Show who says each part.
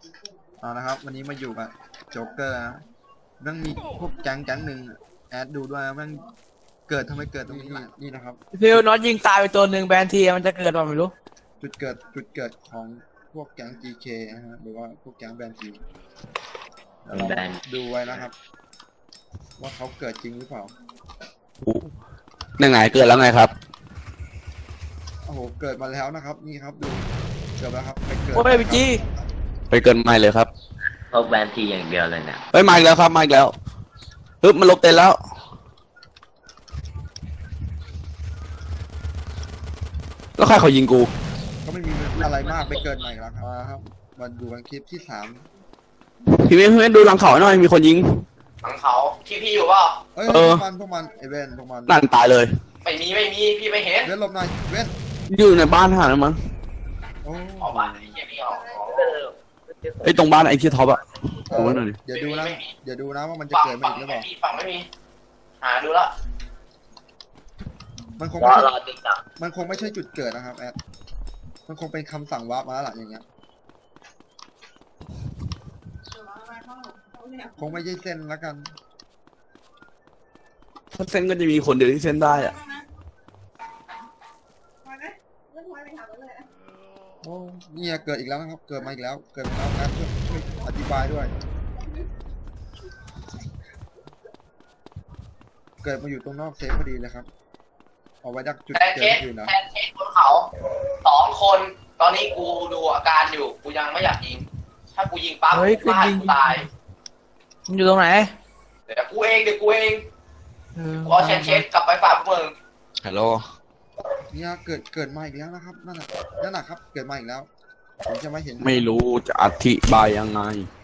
Speaker 1: เอานะครับวันนี้มาอยู่กับโจ๊กเกอร์นะมันมีพวกแก๊งหนึ่งแอดดูด้วยมันเกิดทำไมเกิดตรงนี้นี่นะครับ
Speaker 2: ฟิลน็อตยิงตายไปตัวหนึ่งแบนทีมันจะเกิดป่ะไม่รู้
Speaker 1: จุดเกิดของพวกแก๊ง GK นะฮะหรือว่าพวกแก๊งแบนทีเราดูไว้นะครับ ว่าเขาเกิดจริงหรือเปล่า
Speaker 3: ยังไงเกิดแล้วไงครับ
Speaker 1: โอ้โหเกิดมาแล้วนะครับนี่ครับดูเกิดแล้วครับไปเกิด
Speaker 2: โอ้ยพี่จี
Speaker 3: ไปเกินไม่เลยครับ
Speaker 4: พวกแบนทีอย่างเดียวเลยเนี่ย
Speaker 3: ไปมาอีกแล้วครับมาอีกแล้วปึ๊บมันลบเต็นแล้วแล้วใครเขายิงกู
Speaker 1: ก็ไม่มีอะไรมากไปเกิดใหม่แล้วครับมาดูกันคลิปที่3
Speaker 3: พี่เม้ดูหลังเขาหน่อยมีคนยิง
Speaker 5: หลังเขาพี่อยู่เปล่า
Speaker 1: เอ้ย
Speaker 3: เออ
Speaker 1: พวกมันไอเวนพวกมัน
Speaker 3: นั่นตายเลย
Speaker 5: ไม่มีพี่ไม่เห็น
Speaker 1: เว้นหลบหน่อยเว้น
Speaker 3: อยู่ในบ้านหาแล้วมั้ง
Speaker 1: โอ้
Speaker 5: ออกมาไอ้เหี้ยนี่ออก
Speaker 3: ไอ้ตรงบ้านไอ้ที่ท็อปอะ
Speaker 1: เอ
Speaker 3: ดู
Speaker 1: อ
Speaker 3: ไว้หน่อยดิ
Speaker 1: เดี๋ยวดูนะว่ามันจะ
Speaker 5: ฝั่ง
Speaker 1: เกิดมาอีกหรือเปล่า
Speaker 5: ฝั่งไม่มีหาดูละ
Speaker 1: มันคง
Speaker 4: รอ
Speaker 1: ไม่ใช่
Speaker 4: รอติ๊กต็อก
Speaker 1: มันคงไม่ใช่จุดเกิดนะครับแอดมันคงเป็นคำสั่งวาร์ปมาแล้วล่ะอย่างเงี้ยคงไม่ใช่เส้นแล้วกัน
Speaker 3: ถ้าเส้นก็จะมีคนเดียวที่เส้นได้อะ
Speaker 1: โอ้เนี่ยเกิดอีกแล้วนะครับเกิดมาอีกแล้วเกิดมาแล้วแอดช่วยอธิบายด้วย เกิดมาอยู่ตรงนอกเซฟพอดีเลยครับเอาไว้ดักจุด
Speaker 5: แทน
Speaker 1: เกิ
Speaker 5: เค
Speaker 1: ด
Speaker 5: ส
Speaker 1: อยู่นะ
Speaker 5: แทนเคสบนเขา2 คนตอนนี้กูดูอาการอยู่กูยังไม่อยากยิงถ้ากูยิงปั๊บกูพลาดกูตาย
Speaker 2: มันอยู่ตรงไหน
Speaker 5: เดี๋ยวกูเองกูเอาแทนเคสกลับไปฝากพวกมึง
Speaker 3: ฮัลโหล
Speaker 1: เนี่ยเกิดมาอีกแล้วนะครับนั่นน่ะครับเกิดมาอีกแล้วผมจะไม่เห็น
Speaker 3: ไม่รู้จะอธิบายยังไง